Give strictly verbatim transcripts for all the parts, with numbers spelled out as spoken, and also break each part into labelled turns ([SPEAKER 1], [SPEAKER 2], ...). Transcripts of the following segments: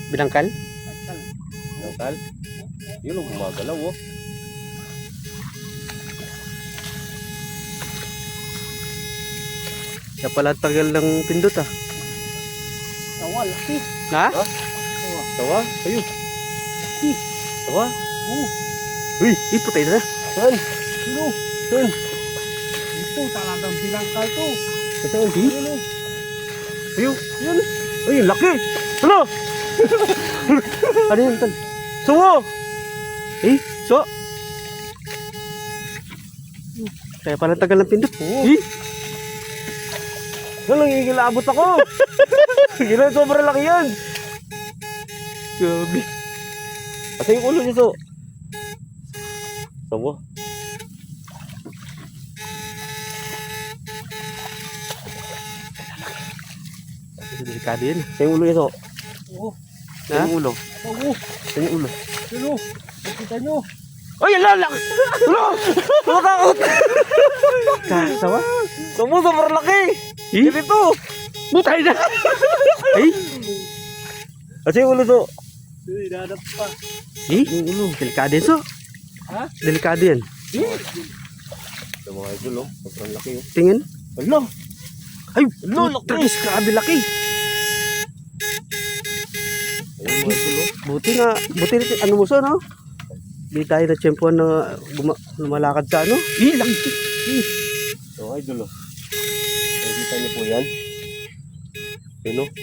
[SPEAKER 1] Binangkal?
[SPEAKER 2] Binangkal. Yun ang gumagalaw oh.
[SPEAKER 1] Kaya pala tagal ng pindot ah.
[SPEAKER 3] Tawa, laki.
[SPEAKER 1] Ha?
[SPEAKER 2] Ha? Tawa? Ayun.
[SPEAKER 3] Laki.
[SPEAKER 2] Tawa?
[SPEAKER 3] Oh,
[SPEAKER 1] Uy, eh, putay na.
[SPEAKER 2] Saan?
[SPEAKER 3] sino?
[SPEAKER 2] Saan?
[SPEAKER 3] Ito, talagang binangkal to.
[SPEAKER 2] Saan?
[SPEAKER 3] Ayun oh.
[SPEAKER 1] Ayun, yun. Ay, laki. Ano? Ano yun, tol? Suwo! Eh, so? Kaya pala tagal ng pindot.
[SPEAKER 2] Oo.
[SPEAKER 1] Eh,
[SPEAKER 2] Saan nangigilabot ako? Gila, sobrang laki yan.
[SPEAKER 1] grabe.
[SPEAKER 2] Asa yung ulo niya so? Tawa?
[SPEAKER 1] Delikado yan.
[SPEAKER 2] Asa yung ulo niya so?
[SPEAKER 3] Oo.
[SPEAKER 2] Asa yung ulo?
[SPEAKER 3] Oo.
[SPEAKER 2] Asa yung ulo?
[SPEAKER 3] Sino? Nakita nyo?
[SPEAKER 1] Ay, lalak! Ano?
[SPEAKER 2] Tumatakot!
[SPEAKER 1] Kasawa?
[SPEAKER 2] Tawa, sobrang laki!
[SPEAKER 1] Eh,
[SPEAKER 2] Dito!
[SPEAKER 1] butay na! Ay,
[SPEAKER 2] Asa yung ulo so?
[SPEAKER 3] Uy, dadap pa.
[SPEAKER 1] eh, delikado yan, so.
[SPEAKER 3] Ha?
[SPEAKER 1] Delikado yan.
[SPEAKER 2] Ito mga idol oh, sobrang laki oh.
[SPEAKER 1] Tingin.
[SPEAKER 2] Ala!
[SPEAKER 1] Ay,
[SPEAKER 2] Ano, laki?
[SPEAKER 1] tragis, grabe laki.
[SPEAKER 2] Ayun mga idol oh.
[SPEAKER 1] Buti nga, buti na, ano mo so, no? Hindi tayo na tiyempuan na guma- lumalakad sa ano. Eh, laki. Eh.
[SPEAKER 2] Ito mga idol oh. Nakikita niyo po yan? Yun oh.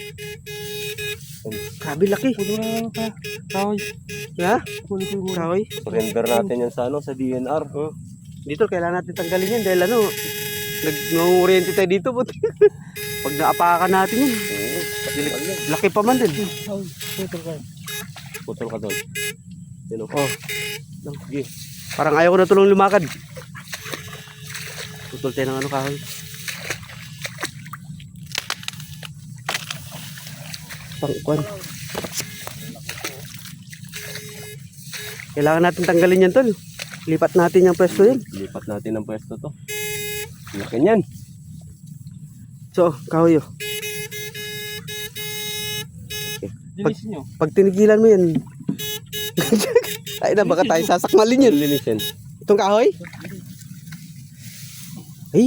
[SPEAKER 1] Grabe laki.
[SPEAKER 3] Puno na lang ka. Kahoy.
[SPEAKER 1] Ha?
[SPEAKER 3] Puno ko muna.
[SPEAKER 1] Kahoy.
[SPEAKER 2] Surrender natin yan sa ano, sa D N R. Oh.
[SPEAKER 1] Dito, kailangan natin tanggalin yan dahil ano, nag-oriente tayo dito. Buti. Pag naapakan natin yan,
[SPEAKER 2] Oo.
[SPEAKER 1] dilik- laki pa man din.
[SPEAKER 3] Kahoy. Puto ka.
[SPEAKER 2] Putol ka doon. Yun oh.
[SPEAKER 1] Oh,
[SPEAKER 2] Sige.
[SPEAKER 1] parang ayaw ko na tulong lumakad. Putol tayo ng ano kahoy. Pangkuan. Kailangan natin tanggalin yan, tol. Lipat natin yung pwesto yan.
[SPEAKER 2] Lipat natin ang pwesto to. Laki niyan.
[SPEAKER 1] So, kahoy oh.
[SPEAKER 3] Dinis nyo.
[SPEAKER 1] Pag tinigilan mo yan, ay na, baka tayo sasakmalin yun.
[SPEAKER 2] Linis yan.
[SPEAKER 1] Itong kahoy? Ay,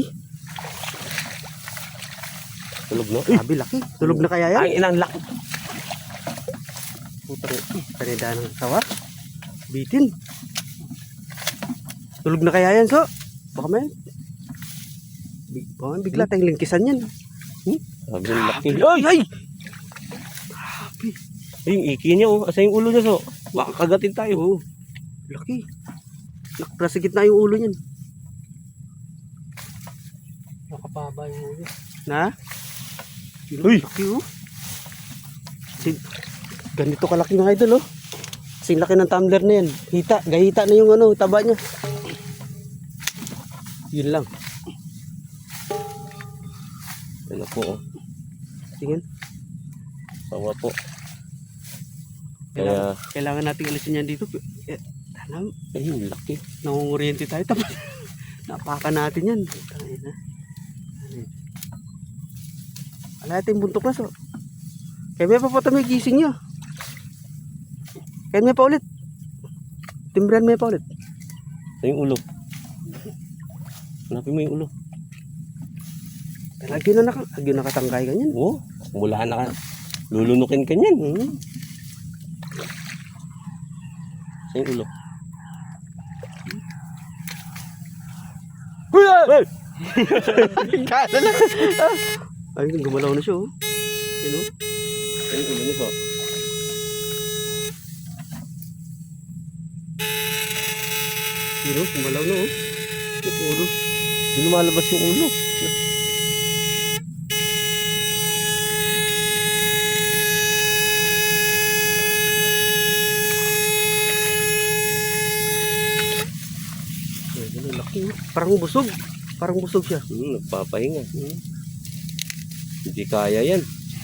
[SPEAKER 2] Tulog no?
[SPEAKER 1] grabe laki. Tulog na kaya yan?
[SPEAKER 2] Ay, ilang laki.
[SPEAKER 1] Putang, kanida ng tawa. Bitin. Tulog na kaya yan, so? Baka may... Big, baka may bigla tayong lingkisan yan.
[SPEAKER 2] Sabi yung laki.
[SPEAKER 1] Ay, ay!
[SPEAKER 2] Ay, yung iki niya oh. Asa yung ulo niya so? Baka kagatin tayo.
[SPEAKER 1] Oh, laki. Nasa gitna yung ulo niyan.
[SPEAKER 3] Nakapaba yung ulo.
[SPEAKER 1] Na?
[SPEAKER 2] Uy!
[SPEAKER 1] Laki oh. Sin ganito kalaki mga idol oh. Kasing laki ng tumbler na yan. Hita, gahita na yung ano, taba niya. Yun lang.
[SPEAKER 2] Ano po oh.
[SPEAKER 1] Tingin.
[SPEAKER 2] Tawa po.
[SPEAKER 1] Kailangan,
[SPEAKER 2] Kaya,
[SPEAKER 1] kailangan natin alisin yan dito. Eh, tanam,
[SPEAKER 2] ay, yung laki.
[SPEAKER 1] nangunguriente tayo. Tapos, napaka natin yan. Tangin na. Wala natin buntok na so. Kaya may pa po may gising niya. Kaya may pa ulit. Timbran may pa ulit.
[SPEAKER 2] Asa yung ulo? Hanapin mo yung ulo.
[SPEAKER 1] Lagi na naka, lagi nakatangkay ganyan.
[SPEAKER 2] Oo. Oh, mula na ka. Lulunukin ka niyan. Hmm. Asa yung ulo?
[SPEAKER 1] Uy! Ay! Kala na. Ay, gumalaw na siya oh. Yun oh.
[SPEAKER 2] Asa yung ulo nito?
[SPEAKER 1] Yun oh, gumalaw na oh. Yung ulo.
[SPEAKER 2] Hindi lumalabas yung ulo.
[SPEAKER 1] Ay, ganun, laki oh. Parang busog. Parang busog siya.
[SPEAKER 2] Hmm, nagpapahinga. Hmm. Hindi kaya yan.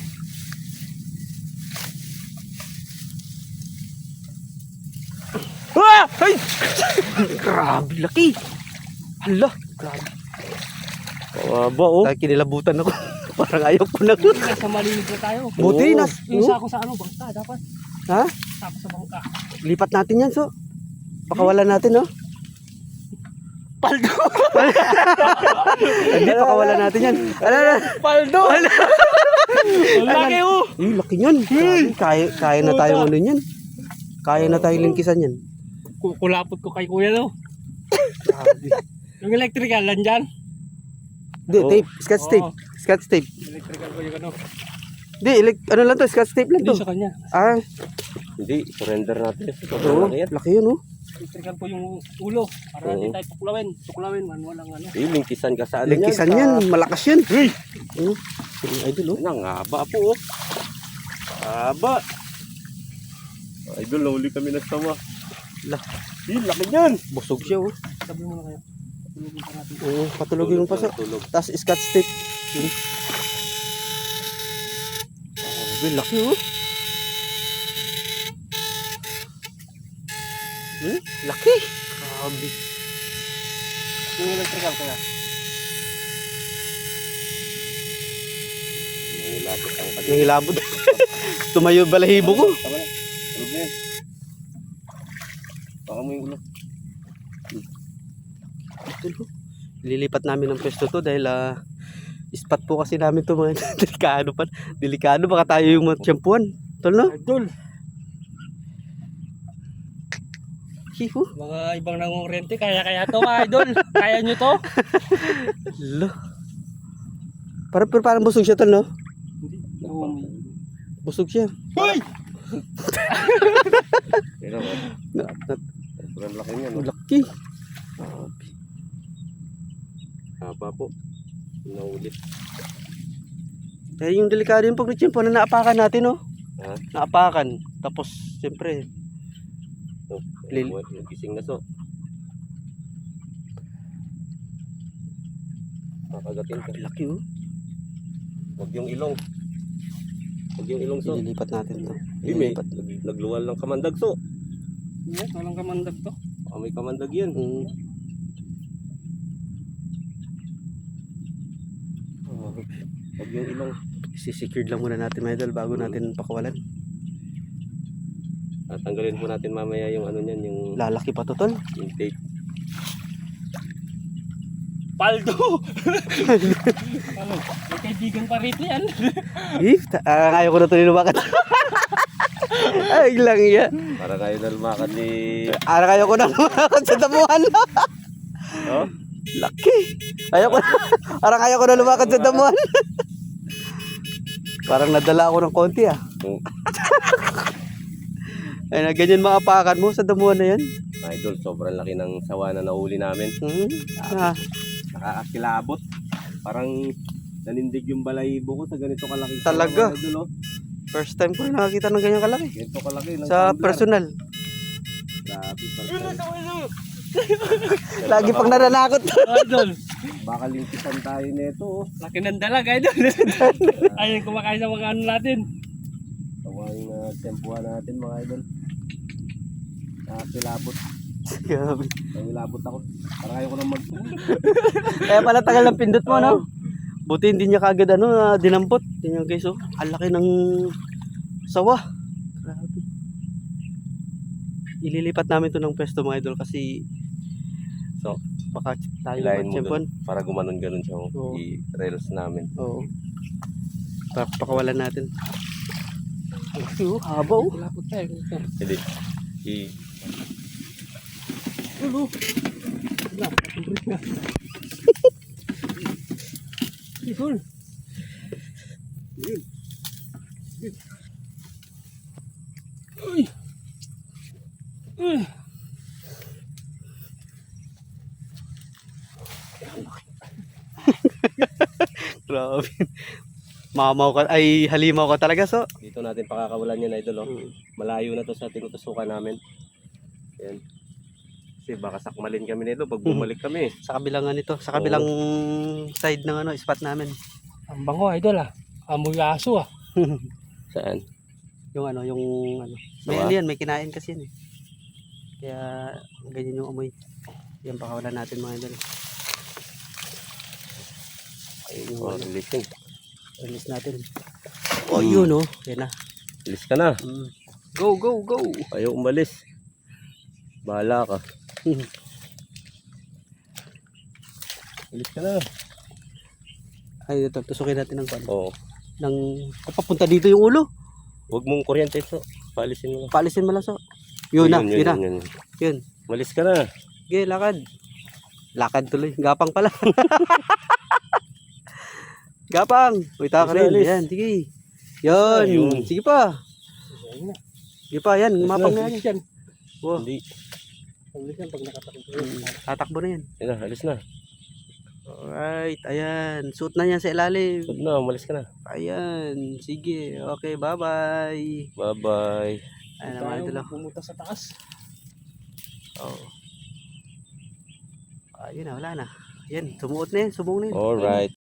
[SPEAKER 1] Ah! Ay! Grabe, laki. Hala, grabe.
[SPEAKER 2] Kawaba oh.
[SPEAKER 1] Kaya kinilabutan ako. Parang ayaw ko na.
[SPEAKER 3] Nasa malinig na tayo.
[SPEAKER 1] Buti,
[SPEAKER 2] Oo.
[SPEAKER 1] nas.
[SPEAKER 3] Yung sako sa ano, bangka dapat.
[SPEAKER 1] Ha?
[SPEAKER 3] Sako sa bangka.
[SPEAKER 1] Lipat natin yan, so. Pakawalan natin, no?
[SPEAKER 3] Paldo!
[SPEAKER 1] Hindi, pakawalan natin yan. Ano, ano?
[SPEAKER 3] Paldo! Ang laki oh!
[SPEAKER 1] Eh, laki yan. Grabe, Kaya, kaya na tayong ano yan. Kaya na tayong lingkisan yan.
[SPEAKER 3] Kukulapot ko kay kuya no. Yung electrical, nandyan?
[SPEAKER 1] Hindi,
[SPEAKER 2] Oo.
[SPEAKER 1] tape. Scotch tape.
[SPEAKER 3] Oo.
[SPEAKER 1] Scotch tape.
[SPEAKER 3] Electrical ko yung ano.
[SPEAKER 1] Hindi, elec- ano lang to, scotch tape lang
[SPEAKER 3] Hindi
[SPEAKER 1] to.
[SPEAKER 3] sa kanya.
[SPEAKER 1] Ah,
[SPEAKER 2] Hindi, surrender natin.
[SPEAKER 1] oo.
[SPEAKER 2] Sobrang laki yan.
[SPEAKER 1] Laki yun, oh.
[SPEAKER 3] Electrical ko yung ulo. Para
[SPEAKER 2] Oo.
[SPEAKER 3] hindi tayo tuklawin. Tuklawin, man, walang ano.
[SPEAKER 2] Eh, lingkisan ka sa ano
[SPEAKER 1] Lingkisan
[SPEAKER 2] sa-
[SPEAKER 1] yan. Malakas yan. Oh, yung idol, oh.
[SPEAKER 2] Ang haba po, oh. Haba. Idol, nahuli kami ng sawa.
[SPEAKER 1] Lah,
[SPEAKER 2] Eh, laki yan.
[SPEAKER 1] busog siya, oh.
[SPEAKER 3] Sabi mo na kayo. Tulugin pa natin.
[SPEAKER 1] Oo, patulogin mo pa sa.
[SPEAKER 2] Tulog.
[SPEAKER 1] Tapos scotch tape. Yun. Grabe, laki, oh. Hmm? Laki. Grabe.
[SPEAKER 3] Yung electrical kaya.
[SPEAKER 2] Nilabot ang kanya.
[SPEAKER 1] Yung ilabot. Tumayo balahibo ko.
[SPEAKER 2] Tama na. Tulog na yan. Baka mo yung ulo.
[SPEAKER 1] Ito, lilipat namin ng pwesto to dahil ah spot po kasi namin to mga delikado pa. Delikado baka tayo yung matsyampuan. Tol, no?
[SPEAKER 3] Idol!
[SPEAKER 1] Hiho.
[SPEAKER 3] Mga ibang nangungurente, kaya-kaya to mga idol. Kaya nyo to?
[SPEAKER 1] Lo. Parang, pero parang busog siya, tol, no?
[SPEAKER 3] Hindi. Oo, may...
[SPEAKER 1] Busog siya.
[SPEAKER 3] Hoy!
[SPEAKER 2] Pero,
[SPEAKER 1] Na, na,
[SPEAKER 2] sobrang laki niya, no?
[SPEAKER 1] laki.
[SPEAKER 2] Haba po. Naulit.
[SPEAKER 1] Kaya yung delikado yung pag natsyampuan na naapakan natin, no?
[SPEAKER 2] Ha?
[SPEAKER 1] Naapakan. Tapos, siyempre,
[SPEAKER 2] Oh,
[SPEAKER 1] Lil-
[SPEAKER 2] yung gising na so. Makagatin ka.
[SPEAKER 1] laki, oh.
[SPEAKER 2] Huwag yung ilong. Huwag yung ilong so.
[SPEAKER 1] Ililipat natin to.
[SPEAKER 2] Hindi, may
[SPEAKER 1] Ililipat.
[SPEAKER 2] nag- nagluwal ng kamandag so.
[SPEAKER 3] Yan, walang kamandag to.
[SPEAKER 2] Baka may kamandag yan.
[SPEAKER 1] Mm.
[SPEAKER 2] Oh, huwag yung ilong.
[SPEAKER 1] Sisecured lang muna natin, mga idol, bago natin pakawalan.
[SPEAKER 2] Tatanggalin po natin mamaya yung ano niyan, yung,
[SPEAKER 1] Lalaki pa to, tol.
[SPEAKER 2] yung tape.
[SPEAKER 3] Paldo! Ano? May kaibigan pa rito yan.
[SPEAKER 1] Eh, ta- ah, ayaw ko na tuloy lumakad. Ay, lang yan.
[SPEAKER 2] Para kayo na lumakad ni...
[SPEAKER 1] Ara kayo ko na lumakad sa damuhan.
[SPEAKER 2] Oh?
[SPEAKER 1] Laki. Ayaw ko na. Ara kayo ko na lumakad sa damuhan. Parang nadala ako ng konti, ah.
[SPEAKER 2] Yung
[SPEAKER 1] Ay, na ganyan maapakan mo sa damuhan na yan.
[SPEAKER 2] idol, sobrang laki ng sawa na nahuli namin.
[SPEAKER 1] Hmm. Ah,
[SPEAKER 2] Nakakakilabot. Parang nanindig yung balahibo ko sa ganito kalaki.
[SPEAKER 1] Talaga?
[SPEAKER 2] Sawa, idol, oh.
[SPEAKER 1] first time ko na nakakita ng ganyan kalaki.
[SPEAKER 2] Ganito kalaki. ng
[SPEAKER 1] Sa
[SPEAKER 2] tumbler.
[SPEAKER 1] personal.
[SPEAKER 2] Grabe, parang-
[SPEAKER 1] Lagi pang nananakot.
[SPEAKER 3] Idol!
[SPEAKER 2] Baka lintisan tayo nito, oh.
[SPEAKER 3] Laki ng dalag, idol. Ayun, kumakain sa mga ano natin.
[SPEAKER 2] Tawagin na tempuhan natin, mga idol. Nakakilabot.
[SPEAKER 1] Grabe.
[SPEAKER 2] Nakakilabot ako. Parang ayaw ko nang mag...
[SPEAKER 1] Kaya pala tagal ng pindot mo, no? Buti hindi niya kagad ano, ah, dinampot. Tingnan guys, oh. Ang laki ng sawa. Grabe. Ililipat namin to ng pwesto, mga idol, kasi
[SPEAKER 2] So,
[SPEAKER 1] baka tayo
[SPEAKER 2] hilahin mo
[SPEAKER 1] matsyampuan.
[SPEAKER 2] dun. Para gumanon-ganon siya, oh.
[SPEAKER 1] Oo.
[SPEAKER 2] I-rails namin.
[SPEAKER 1] Oo. Pa pakawalan natin. Ang laki, oh. Haba, oh.
[SPEAKER 3] Lapot tayo.
[SPEAKER 2] Hindi. I...
[SPEAKER 3] Ulo! Wala, patubrik na. Idol! Uy! Uy!
[SPEAKER 1] Grabe. Mamaw ka, ay halimaw ka talaga, so.
[SPEAKER 2] Dito natin pakakawalan yan, idol, oh.
[SPEAKER 1] Mm.
[SPEAKER 2] Malayo na to sa tinutusukan namin. Ayan. Kasi baka sakmalin kami nito pag bumalik kami.
[SPEAKER 1] Sa kabilang ano nito, sa kabilang side ng ano, spot namin.
[SPEAKER 3] Ang bango, idol ah. Amoy aso ah.
[SPEAKER 2] Saan?
[SPEAKER 1] Yung ano, yung ano. May
[SPEAKER 2] Sawa?
[SPEAKER 1] ano yan, may kinain kasi yan eh. Kaya ganyan yung amoy. Yan, pakawalan natin, mga idol.
[SPEAKER 2] Ayun, oh, releasing.
[SPEAKER 1] Release natin. Oh, yun oh. Yan na.
[SPEAKER 2] Alis ka na.
[SPEAKER 1] Mm. Go, go, go.
[SPEAKER 2] Ayaw umalis. Bahala ka. Alis ka na.
[SPEAKER 1] Ay, ito. Tusukin natin ng pan.
[SPEAKER 2] Oo.
[SPEAKER 1] Ng, papunta dito yung ulo.
[SPEAKER 2] Huwag mong kuryente, so. Paalisin mo lang.
[SPEAKER 1] Paalisin mo lang, so. Yun na, yun, na.
[SPEAKER 2] Yun, yun.
[SPEAKER 1] Yun.
[SPEAKER 2] Malis ka na.
[SPEAKER 1] Okay, lakad. Lakad tuloy. Gapang pala. Gapang. Uy, taka
[SPEAKER 2] Alis,
[SPEAKER 1] rin.
[SPEAKER 2] alis.
[SPEAKER 1] Yan, sige. Yan.
[SPEAKER 2] Ayun.
[SPEAKER 1] Sige pa. Sige pa, yan.
[SPEAKER 2] Alis
[SPEAKER 1] Mapang
[SPEAKER 2] na.
[SPEAKER 1] na yan. Wow.
[SPEAKER 2] Hindi.
[SPEAKER 3] Alis yan pag nakatakbo.
[SPEAKER 1] Mm, tatakbo na yan.
[SPEAKER 2] Yan na, alis na.
[SPEAKER 1] Alright, ayan. Suot na yan sa ilalim.
[SPEAKER 2] Huwag na, umalis ka na.
[SPEAKER 1] Ayan. Sige. Okay, bye-bye.
[SPEAKER 2] Bye-bye.
[SPEAKER 1] Ayan naman ito lang.
[SPEAKER 3] Pumunta sa taas.
[SPEAKER 1] Oh. Ayun na, wala na. Yan, sumuot na yan. Subong na yan.
[SPEAKER 2] Alright.